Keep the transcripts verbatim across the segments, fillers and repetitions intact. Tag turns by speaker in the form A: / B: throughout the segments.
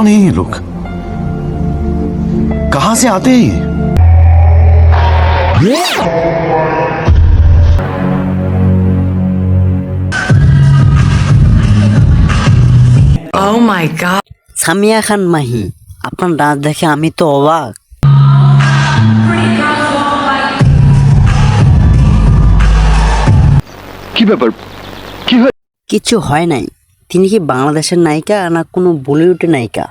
A: कौन है ये लोग? कहां से आते हैं ये?
B: Oh my god.
C: সামিয়া খান মাহি, আপনার ডান্স দেখে আমি তো অবাক।
D: কি ব্যাপার, কি হয়?
C: কিছু হয় নাই। তিনি কি বাংলাদেশের নায়িকা না কোনো বলিউডের নায়িকা?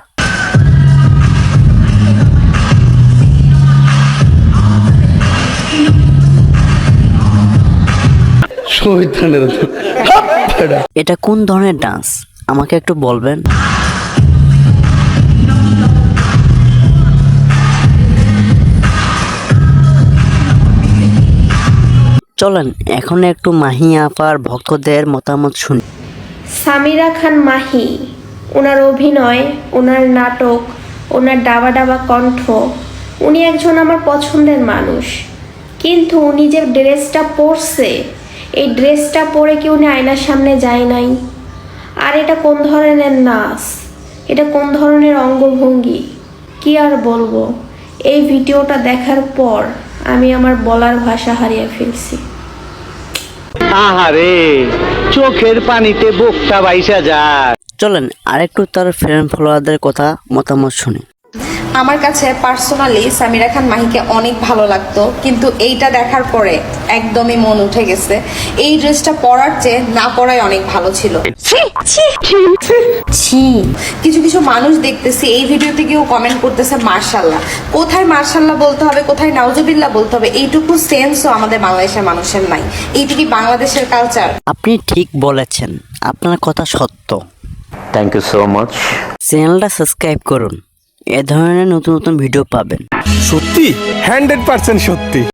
C: এটা কোন ধরনের ডান্স আমাকে একটু বলবেন? চলেন এখন একটু মাহি আপার ভক্তদের মতামত শুনি।
E: সামিরা খান মাহি, ওনার অভিনয়, ওনার নাটক, ওনার ডাবা ডাবা কণ্ঠ, উনি একজন আমার পছন্দের মানুষ। কিন্তু উনি যে ড্রেসটা পরছে, এই ড্রেসটা পরে কি উনি আয়নার সামনে যায় নাই? আর এটা কোন ধরনের নাচ, এটা কোন ধরনের অঙ্গভঙ্গি, কি আর বলবো। এই ভিডিওটা দেখার পর আমি আমার বলার ভাষা হারিয়ে ফেলছি।
F: আহারে, চোখের পানিতে বুকটা বাইসা যায়।
C: চলেন আরেকটু তার ফ্যান ফলোয়ারদের কথা মতামত শুনি।
G: আমার কাছে পার্সোনালি সামিরা খান মাহিকে অনেক ভালো লাগতো, কিন্তু এইটা দেখার পরে একদমই মন উঠে গেছে। এই ড্রেসটা পরার চেয়ে না পরাই অনেক ভালো ছিল। ছি, কিছু কিছু মানুষ দেখতেছি এই ভিডিওতে কেউ কমেন্ট করতেছে মার্শাল্লাহ। কোথায় মার্শাল্লাহ বলতে হবে, কোথায় নাউজুবিল্লাহ বলতে হবে, এইটুকু সেন্সও আমাদের বাংলাদেশের মানুষের নাই। এইটা কি বাংলাদেশের কালচার?
C: আপনি ঠিক বলেছেন, আপনার কথা সত্য।
F: Thank you so much.
C: চ্যানেলটা সাবস্ক্রাইব করুন, এ ধরনের নতুন নতুন ভিডিও পাবেন।
D: সত্যি, হান্ড্রেড পার্সেন্ট সত্যি।